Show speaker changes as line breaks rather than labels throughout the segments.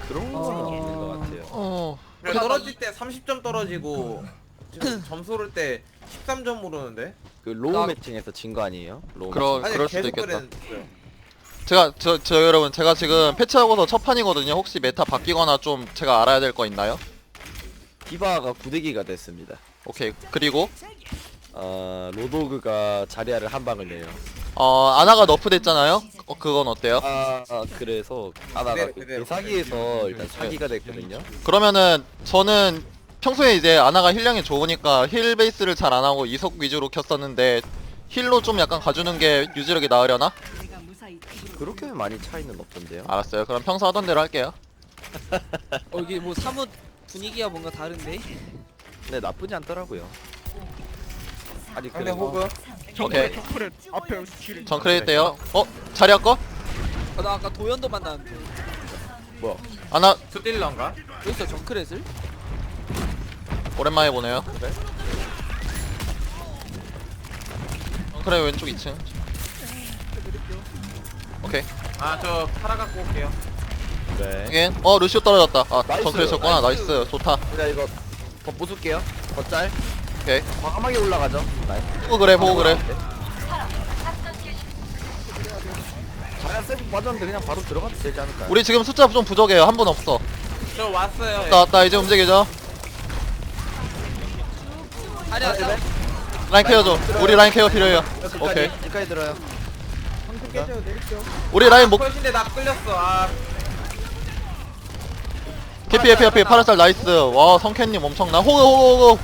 그런 건 없는 것 같아요.
떨어질 때 30점 떨어지고 지금 점수 오를 때 13점 오르는데?
그 로우 매칭에서 진 거 아니에요? 로우
아니
그럴 수도
계속
있겠다.
그랬어요.
저 여러분, 제가 지금 패치하고서 첫 판이거든요. 혹시 메타 바뀌거나 좀 제가 알아야 될 거 있나요?
디바가 구대기가 됐습니다.
오케이. 그리고
로도그가 자리아를 한 방을 내요.
아나가 너프 됐잖아요. 그건 어때요?
그래서 아나가
그대로.
사기에서 일단 사기가 됐거든요.
그러면은 저는 평소에 이제 아나가 힐량이 좋으니까 힐 베이스를 잘 안 하고 이석 위주로 켰었는데 힐로 좀 약간 가주는 게 유지력이 나으려나?
그렇게 많이 차이는 없던데요.
알았어요. 그럼 평소 하던 대로 할게요.
이게 뭐 사뭇 분위기가 뭔가 다른데?
근데 나쁘지 않더라고요. 아직
상대
그래도
호그
오케이.
앞에 길.
정크레이트 돼요. 자리할 거?
나 아까 도연도 만났는데
뭐야?
아나
투딜러인가?
여기 있어 정크렛을?
오랜만에 보네요. 정크레 왼쪽 2층. 오케이.
아 저 팔아 갖고 올게요.
네.
again. 루시오 떨어졌다.
나이스.
정크레 쳤구나. 나이스. 좋다.
제가 이거 더 부술게요. 더 짤.
오케이.
과감하게 올라가죠. 나이스.
보고 그래.
자리아 세프 빠졌는데 그냥 바로 들어가도 되지 않을까요?
우리 지금 숫자 좀 부족해요. 한 분 없어.
저 왔어요.
왔다. 이제 움직이죠.
아니야 나
라인 케어 줘. 우리 라인 케어 필요해요. 오케이.
여기까지 들어요.
우리 라인 목
컷인데 나 끌렸어.
캐피 파라살 나이스. 와, 성캔님 엄청나. 호그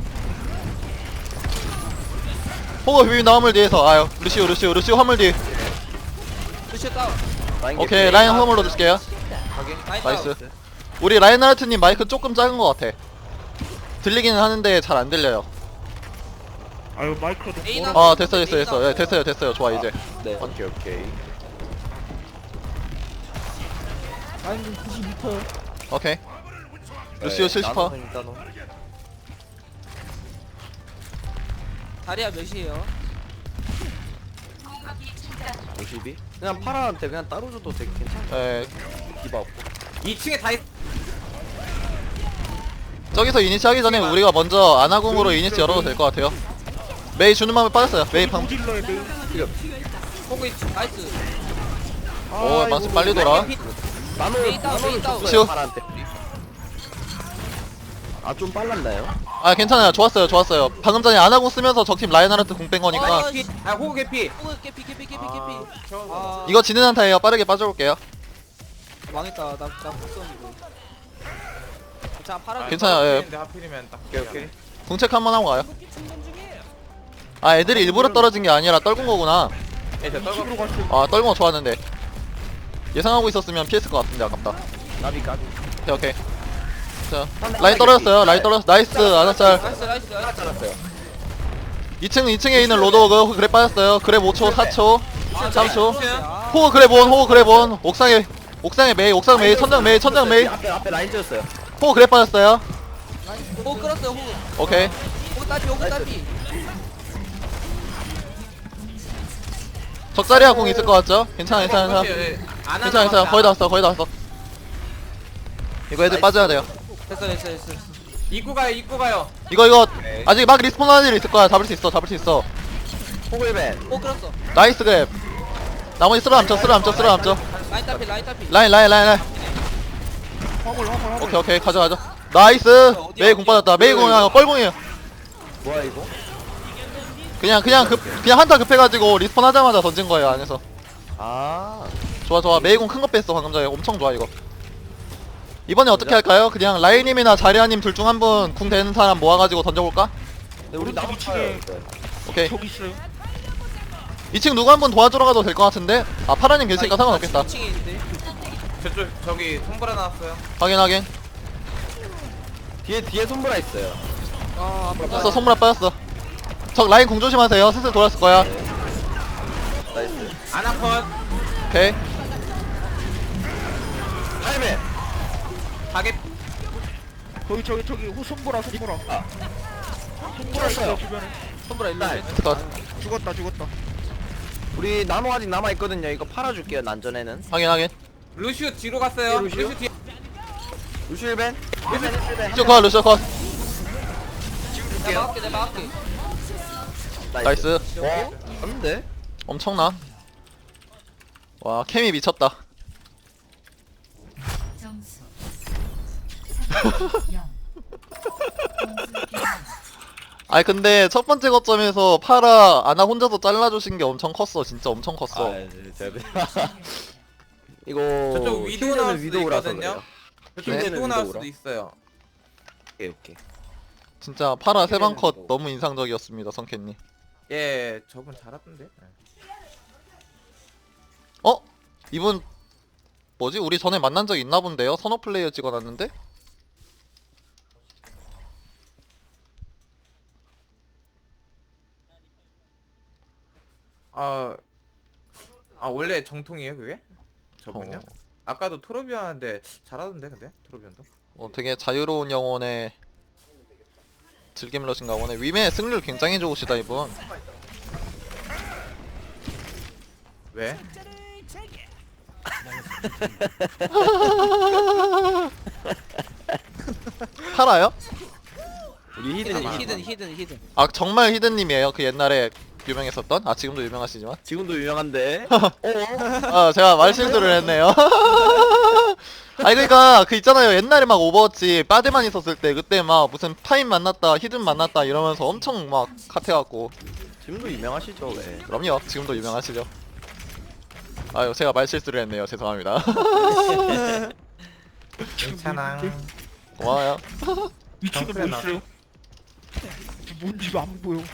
비빔 화물 뒤에서. 아유, 루시오 화물 뒤.
루시오 다운
오케이, 라인 화물로 줄게요.
라인
나이스.
다운
우리 라인하르트님 마이크 조금 작은 것 같아. 들리기는 하는데 잘 안 들려요.
아유 마이크도
에이,
멀어.
나-
됐어요. 예, 됐어요. 좋아 이제.
네. 오케이.
아니 92%.
오케이. 루시오 70%.
다리야 몇이에요?
52? 그냥 파라한테 그냥 따로 줘도 되게 괜찮아.
예.
디바 없고.
2층에 다 있.
저기서 이니치 하기 전에 우리가 먼저 아나궁으로 이니치 열어도 될 것 같아요. 메이 주는 마음에 빠졌어요. 메이 방.
딜러의 메인.
호그 있지 나이스
오, 망치 빨리 돌아.
메이 다운
루시오.
파라한테. 좀 빨랐나요?
괜찮아요. 좋았어요. 방금 전에 아나궁 쓰면서 적팀 라인하르트 궁 뺀 거니까.
호그 개피.
호그 깨피
저
이거 지는 한타예요. 빠르게 빠져올게요.
망했다 나못 썼는데 자 파라
괜찮아요, 예.
근데 하필이면 딱.
오케이.
궁책 한번 하고 가요. 애들이 일부러 떨어진 게 아니라 떨군 거구나.
저 떨고.
집으로 갔어.
떨군 거 좋았는데 예상하고 있었으면 피했을 것 같은데 아깝다.
까비.
오케이. 자, 라인 떨어졌어요. 나이스. 아나짤.
나이스
잘랐어요.
2층에 있는 로드워그 그래 빠졌어요. 그래 5초, 4초, 3초.
아,
호그 그래본. 옥상에 메이, 천장 메이.
앞에 라인 찢었어요.
호그 그래 빠졌어요.
호그 끌었어요 호그
오케이.
호그 딸피
적자리야 공 있을 것 같죠? 괜찮아. 괜찮아. 거의 다 왔어. 이거 애들 빠져야 돼요.
됐어
입구 가요.
이거 아직 막 리스폰 하는 애들 있을 거야. 잡을 수 있어.
호글벤.
호그 끌었어
나이스 그랩. 나머지 쓸어 남죠.
라인 딸피
라인.
화물.
오케이. 가져. 나이스. 메이 공 빠졌다. 메이 공이야. 뻘공이에요.
뭐야 이거?
그냥 한타 급해가지고 리스폰 하자마자 던진 거예요 안에서. 좋아. 메이 공 큰 거 뺐어 방금 전에. 엄청 좋아 이거. 이번에 어떻게 할까요? 그냥 라인님이나 자리아님 둘 중 한 분 궁 되는 사람 모아가지고 던져볼까?
우리 나무
위치에
오케이.
저기 있어요.
2층 누구 한 분 도와주러 가도 될 것 같은데? 파라님 계시니까 상관없겠다.
2층에 있는데
저쪽 저기 손보라 나왔어요.
확인.
뒤에 손보라 있어요.
빠졌어. 손무라 빠졌어. 적 라인 공 조심하세요. 슬슬 돌았을 거야.
나이스.
아나컷.
오케이.
할배.
가게.
저기 손보라. 손보라 있어 주변에.
손보라 일로 와
컷.
죽었다.
우리 나노 아직 남아 있거든요. 이거 팔아줄게요. 난전에는.
확인.
루시오 뒤로 갔어요.
루시오?
루시오 뒤.
루시일벤
루시오 컷 루시오 컷
내가 막을게 내가 막을게.
나이스.
안돼
엄청나. 와 케미 미쳤다.
점수 3대 0.
아니 근데 첫 번째 거점에서 파라 아나 혼자서 잘라주신 게 엄청 컸어. 진짜 엄청 컸어.
이거
저쪽 위도우 나올 수도
위도우라서
있거든요.
그래요.
저쪽
네.
위도우 나올 수도
위도우라.
있어요.
오케이
진짜 파라 세방 컷 너무 인상적이었습니다 성캔님.
예, 저분 잘하던데.
어? 이분 뭐지? 우리 전에 만난 적 있나 본데요? 선호 플레이어 찍어놨는데?
아 원래 정통이에요 그게? 저분요? 아까도 토르비언한테 잘하던데 근데 토르비언도.
되게 자유로운 영혼의 즐김러신가 보네. 위메 승률 굉장히 좋으시다 이분.
왜?
팔아요?
우리
히든.
아 정말 히든님이에요. 그 옛날에 유명했었던? 아 지금도 유명하시지만
지금도 유명한데
제가 말실수를 했네요. 아니 그니까 그 있잖아요. 옛날에 막 오버워치 빠데만 있었을 때 그때 막 무슨 파인 만났다 히든 만났다 이러면서 엄청 막 핫해갖고.
지금도 유명하시죠 왜
그럼요. 지금도 유명하시죠. 아유 제가 말실수를 했네요. 죄송합니다.
괜찮아.
고마워요.
위치는 뭐 있어요? 뭔지 안 보여.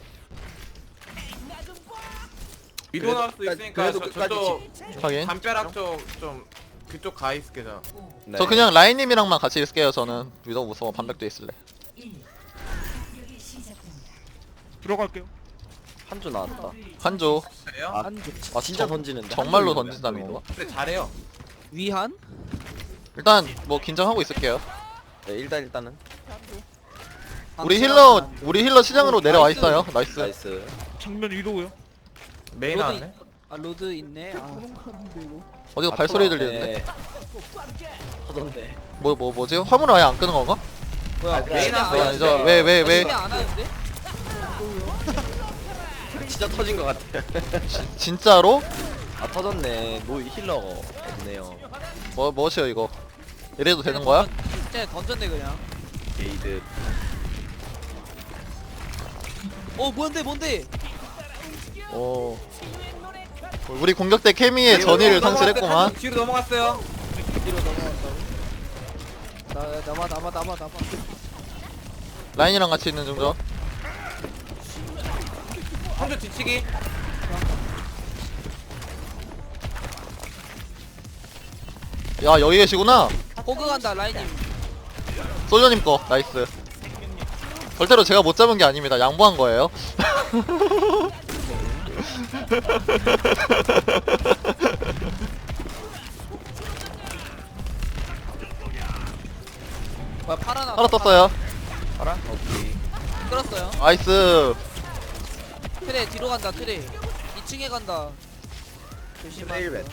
위도우 나올 수도 있으니까
그래도 끝까지
저쪽
확인.
담벼락 쪽 좀 그쪽 가 있을게 저.
네.
저 그냥 라인님이랑만 같이 있을게요. 저는 위도 무서워. 반백도 있을래.
공격이 시작됩니다.
들어갈게요.
한주 나왔다
한조
그래요?
아 진짜 던지는데
정말로
한조
던진다는
위도.
건가?
근데 잘해요.
위한?
일단 뭐 긴장하고 있을게요.
네 일단은
우리 힐러 시장으로 내려와 있어요. 나이스.
나이스
정면 위도우요.
메인
로드
나왔네.
아 로드 있네. 아
어디가 발소리 들리는데?
하던데
뭐지? 화물 아예 안 끄는 건가?
뭐야?
메인
아,
나왔어요.
아니죠. 왜?
안 하는데?
진짜 터진 것 같아
진짜로?
아 터졌네 노 힐러가 없네요
뭐시여 이거? 이래도 되는 거야?
진짜 던졌네 그냥.
게이드
뭔데?
오. 우리 공격 때 케미의 전의를 상실했구만.
뒤로 넘어갔어요.
뒤로 넘어간다고? 남아.
라인이랑 같이 있는 중저.
한쪽 뒤치기.
야 여기 계시구나.
호그 간다 라인님.
솔저님 거 나이스. 절대로 제가 못 잡은 게 아닙니다. 양보한 거예요.
뭐야 파라나?
하나 떴어요.
알아? 오케이
끌었어요.
나이스.
트레 뒤로 간다 트레. 2층에 간다. 조심하세요.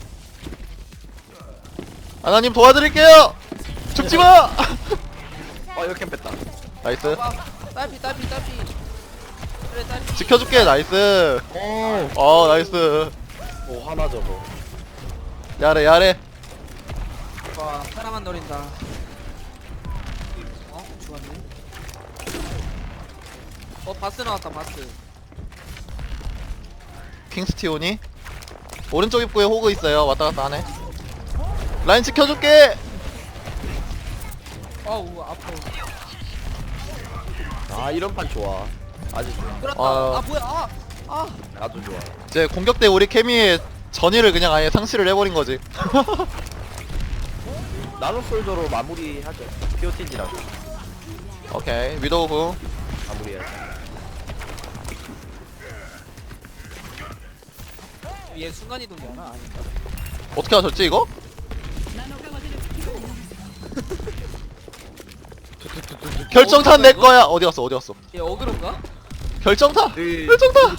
아나님 도와드릴게요. 죽지 마.
이렇게 뺐다
나이스.
딸피. 트레 딸피.
지켜줄게. 나이스. 나이스.
오 하나 저거
야래.
와 사람만 노린다. 죽었네. 바스 나왔다 바스.
킹스티온이 오른쪽 입구에 호그 있어요. 왔다 갔다 하네. 라인 지켜줄게.
아우 아파.
아 이런 판 좋아 아주 좋아
끌었다.
아.
뭐야?
아주 좋아
이제 공격 때 우리 케미의 전의를 그냥 아예 상실을 해버린 거지.
나노 솔저로 마무리하죠 POTG라고
오케이 위도우 후.
마무리해야죠
얘 순간 이동이 하나 아닌가?
어떻게 하셨지 이거? 결정탄 내 거야. 어디 갔어?
얘 어그로인가?
결정탄.
그
결정탄.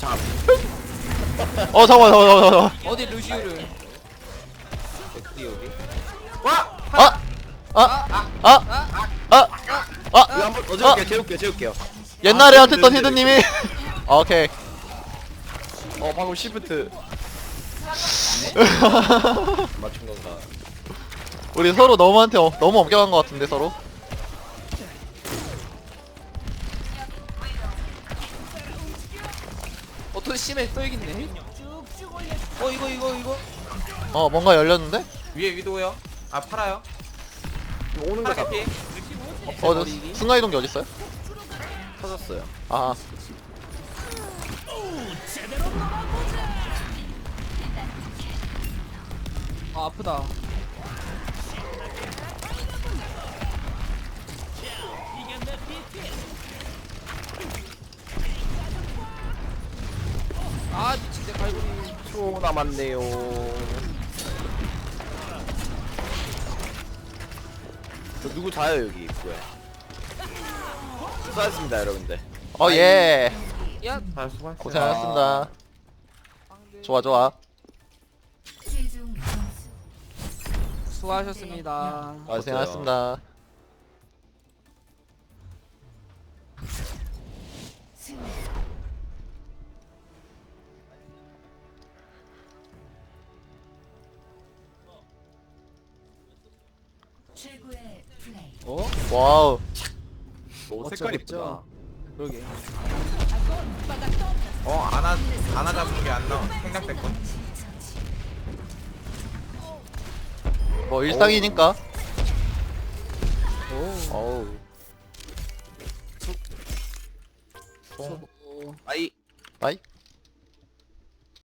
잠깐만.
어디 루시우를?
여기
와!
아
이거 한번 재울게요.
옛날에 핫했던 히드님이 오케이.
방금 시프트 맞춘 건가?
우리 서로 너무한테 너무 엄격한 것 같은데 서로.
또 심해 또 이긴네. 이거.
뭔가 열렸는데?
위에 위도요. 아 팔아요.
오는 거
파라 개피.
순간이동기 어딨어요?
터졌어요.
아
아 아프다. 아 미친 내 갈고리.
초 남았네요. 저 누구 자요 여기 입구에. 수고하셨습니다 여러분들.
예.
야
아 수고하셨어요.
고생하셨습니다. 좋아.
최종 점수
수고하셨습니다.
고생하셨습니다.
승리. 최고의 플레이.
와우.
오 색깔 이쁘다.
그러게.
안아 잡은 게 안 나와. 생략됐건.
뭐 일상이니까.
어우.
수고.
아이.
아이.